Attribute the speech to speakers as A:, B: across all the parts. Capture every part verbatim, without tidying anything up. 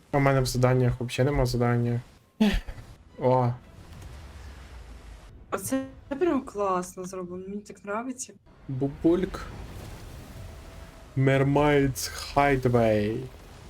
A: А в мене в заданнях взагалі нема задання. О,
B: Оце прям класно зроблено, мені так подобається.
A: бубульк. Mermaid's Hideaway.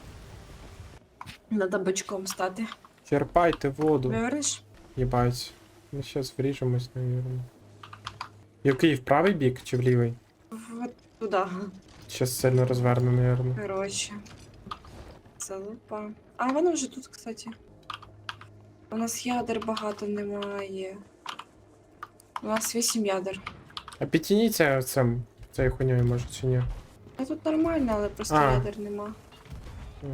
B: Надо бочком стати.
A: Черпайте воду.
B: Вивернеш?
A: Єбать. Ну щас вріжемось, наверное. Який, в правий бік чи в лівий?
B: Вот туди.
A: Щас сильно розверну, наверное.
B: Коротше. Залупа. А воно вже тут, кстати. У нас ядер багато немає. У нас вісім ядер.
A: А підтяніться цим, цією хуйньою, може, чи ні?
B: А тут нормально, але просто
A: А.
B: ядер нема.
A: Так.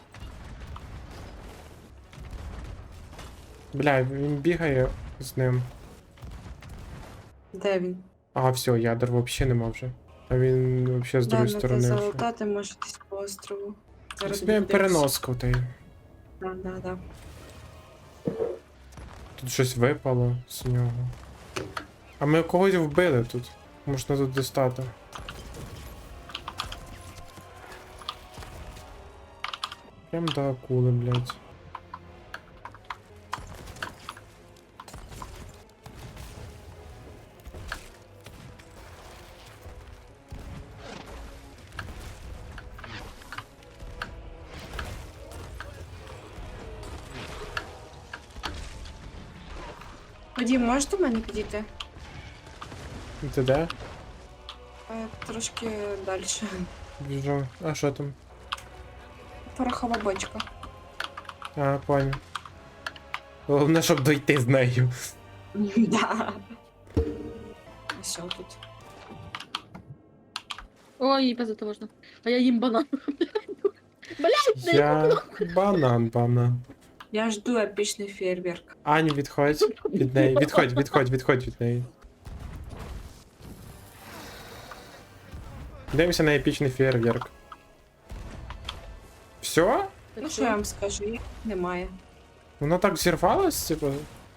A: Бля, він бігає з ним.
B: Де він?
A: А, все, ядер взагалі нема вже. А він взагалі з
B: Де
A: другої
B: на те
A: сторони. вже.
B: залутати, може десь по острову. Зараз
A: Собі
B: буде
A: переноску та й.
B: Да, да, да.
A: Тут щось випало з нього. А ми когось вбили тут. Можна тут достати. Прям до акули, блядь.
B: Вадим, можеш до мене підійти?
A: Ти де?
B: Е, Трошки далі.
A: Біжу. А що там?
B: Порохова бочка.
A: А, понял. Головне, щоб дойти з нею.
B: Да. Ось тут.
C: Ой, їй пиздити можна. А я їм банан. Блядь, дай
A: Я банан, банан.
B: Я жду епічний фейерверк.
A: Ань, відходь від неї. Відходь, відходь, відходь від неї. Дивимося на епічний фейерверк. Все?
B: Ну що я вам скажу, їх немає.
A: Воно так зірвалось, типу.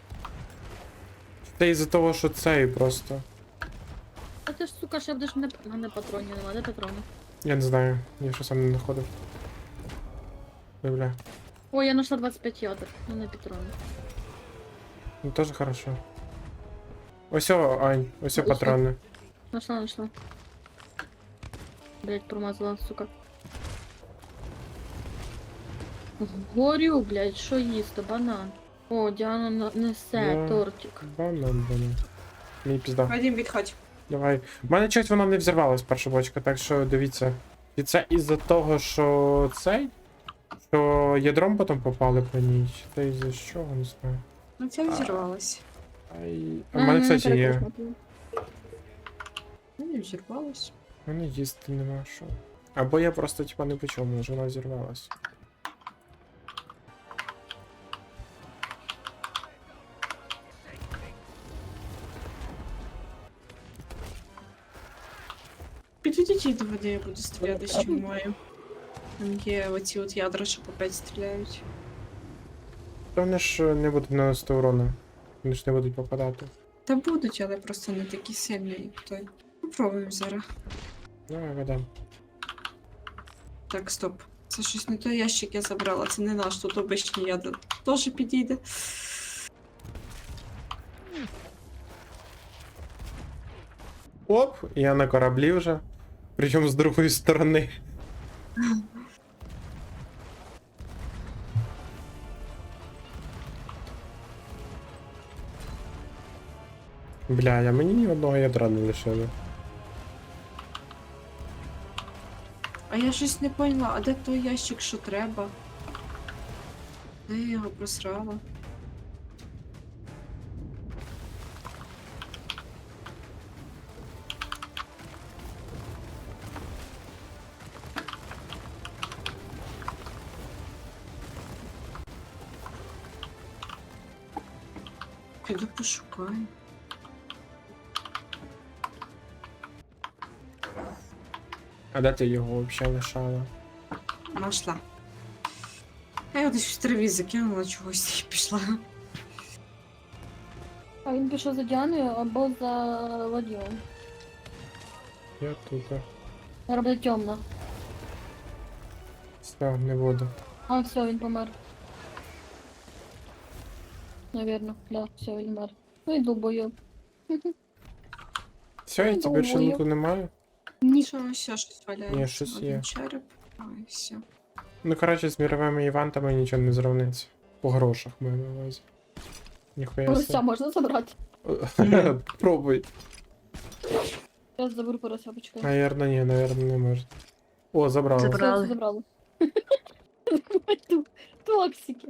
A: Це із-за того, що цей просто.
C: А ти ж, сука, ще будеш не... А, не патронів нема, де патрони?
A: Я не знаю, я ще сам не знаходив. Ой, бля.
C: Ой, я знайшла двадцять п'ять ядер, ну не патрони.
A: Ну теж хорошо. Ось о, Ань, ось о
C: Ось о.
A: патрони.
C: Нашла, нашла. Блять, промазала, сука. Горю, блять, що їсти, банан. О, Діана на- несе
A: Да.
C: тортик.
A: Банан, банан. Мій пізда.
B: Вадим, відходь.
A: Давай. У мене чогось вона не взірвалась, перша бочка, так що дивіться. І це із-за того, що цей. Що ядром потім попали по ній. Чи це із-за чого, не знаю.
B: Ну це взірвалось.
A: Ай. А в мене, кстати, є.
B: Ну не взірвалось.
A: У мене їсти нема що. Або я просто типа не почув, може вона взірвалась.
B: Підійдіть до води, я буду стріляти, з чим маю. Там є оці от ядра, що по п'ять стріляють.
A: Та вони ж не будуть наносити урону. Вони ж не будуть попадати.
B: Та будуть, але просто не такі сильні, як той. Попробуємо зараз.
A: Давай, ведем.
B: Так, стоп. Це щось не той ящик я забрала, це не наш, тут обичні ядра. Теж підійде.
A: Оп, я на кораблі вже. Причому з другої сторони. Бля, я мені ні одного ядра не лишили.
B: А я щось не поняла, а де той ящик, що треба? Де я його просрала? Піду пошукаю.
A: А де ти його взагалі лишала?
B: Нашла. Я його десь в траві закинула чогось і пішла.
C: А він пішов за Діаною або за Вадімом.
A: Я тут.
C: Робить темно.
A: Все, не буду.
C: А, все, він помер. Навірно, да, все, він мер. Ну і долбойоб.
A: Все, я тебе більше
C: Думаю.
A: луку немає.
B: Нічого, ще щось валяється.
A: Ні, щось
B: Один
A: є.
B: череп. Ой, все.
A: Ну, коротше, з міровими івентами нічого не зрівниться. По грошах маю на увазі. Ніхуя
C: Порося
A: себе.
C: можна забрати?
A: Пробуй.
C: Я заберу порося, почекай.
A: Наверно, ні, наверно, не можна. О, забрали.
D: Забра- Забрали.
C: Все, забрали. Ту- Токсики.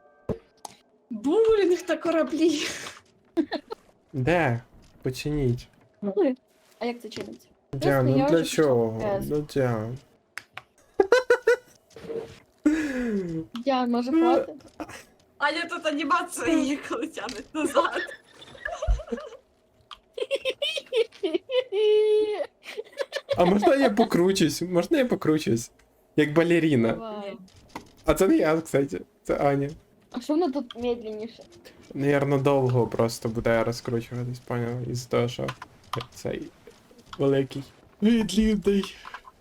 B: Булінг на кораблі.
A: Де? Починіть.
C: Ой, а як це чиниться?
A: Діан,
C: я
A: ну для
C: вже
A: чого?
C: почав.
A: Ну, Діан.
C: Я, може, хватить?
B: А я тут анімація її коли тянуть назад.
A: А можна я покручусь? Можна я покручусь? Як балеріна.
C: Давай.
A: А це не я, кстати. Це Аня.
C: А що воно тут медленніше?
A: Наверно, довго просто буде розкручуватись, поняв? Із того, що цей великий. Відлюдний.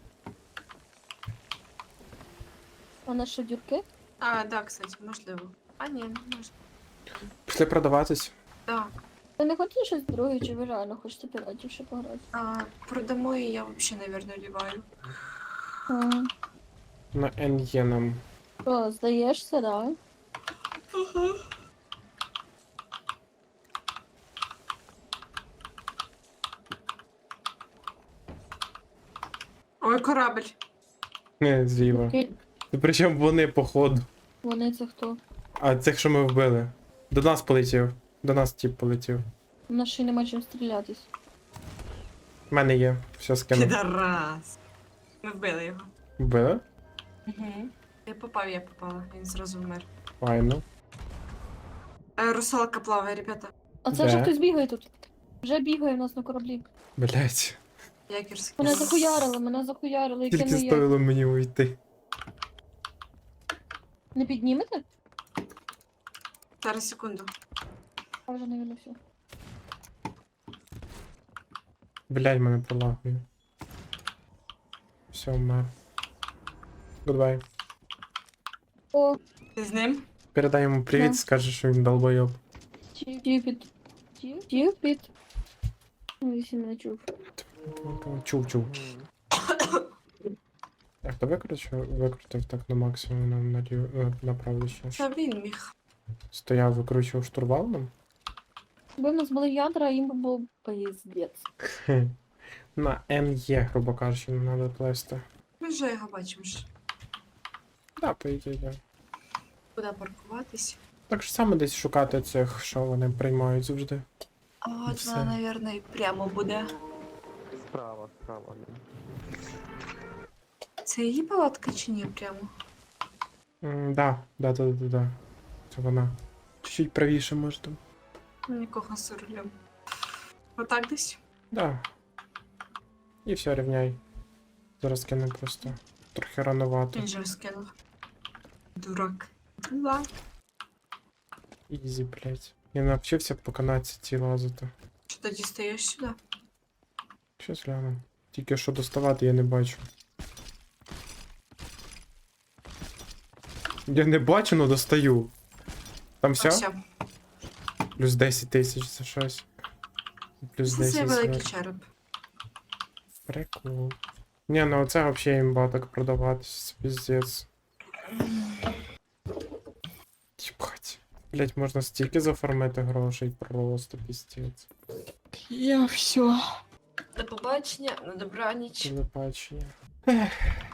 C: А на що дюрки?
B: А, да, кстати, можливо. А, ні, не можна.
A: Пішли продаватись.
B: Да.
C: Ти не хочеш щось друге, чи ви реально хочете піратів ще пограти?
B: А, продамо і я взагалі, наверное, ліваю.
C: А,
A: На ен є нам.
C: Що, здаєшся, да?
B: Ой, корабль.
A: Не, зліва.
C: Окей.
A: І причому вони походу.
C: Вони це хто?
A: А цих, що ми вбили. До нас полетів. До нас тип полетів.
C: У нас ще й нема чим стрілятись.
A: У мене є. Все скину.
B: Підарас. Ми вбили його.
A: Вбили?
B: Угу. Я попав, я попала. Він зразу вмер.
A: Файно.
B: Е, русалка плаває, ребята.
C: А це вже
A: Де?
C: хтось бігає тут. Вже бігає в нас на кораблі.
A: Блять.
B: Якірський.
C: Мене захуярили, мене захуярили, яке
A: Тільки
C: не є.
A: стоїло мені уйти.
C: Не піднімете?
B: Зараз, секунду.
C: А вже не все.
A: Блять, мене пролагує. Все, вмер. Гудбай.
C: О,
B: Ти з ним?
A: Передай йому привіт,
C: Да.
A: скажи, що він долбойоб.
C: Тюпід. Тюпід. Ну, якщо не чув.
A: Чув, чув. А хто викрутив, викрутив так на максимум на, на, лів- на правду ще?
B: Та він міг.
A: Стояв, викручував штурвал нам?
C: Якби в нас були ядра, їм би був пиздець.
A: Хе. На ен є, грубо кажучи, не треба плести.
B: Ми вже його бачимо ж.
A: Да, по ідеї, да.
B: Куди паркуватись?
A: Так ж саме десь шукати цих, що вони приймають завжди.
B: А от
A: Все.
B: вона, напевно, і прямо буде.
E: Справа, справа.
B: Це її палатка чи ні прямо?
A: М, да, да, да, да, да. Це вона. Чуть-чуть правіше, може там.
B: Нікого з рулем. Отак десь?
A: Да. І все, рівняй. Зараз кину просто. Трохи рановато.
B: Він же скинув. Дурак. Да.
A: Ізі, блять. Я навчився по канадці ці лазити.
B: Що тоді стаєш сюди?
A: Щось гляну. Тільки що доставати я не бачу. Я не бачу, но достаю. Там
B: А,
A: все?
B: все.
A: Плюс десять тисяч за щось. Плюс
B: Це цей
A: десять
B: великий
A: зверху.
B: череп.
A: Прикол. Не, ну оце взагалі імба так продаватись, піздець. Єбать. Блять, можна стільки зафармити грошей, просто піздець.
C: Я все.
B: До побачення, на добраніч.
A: Телебачення. Ех.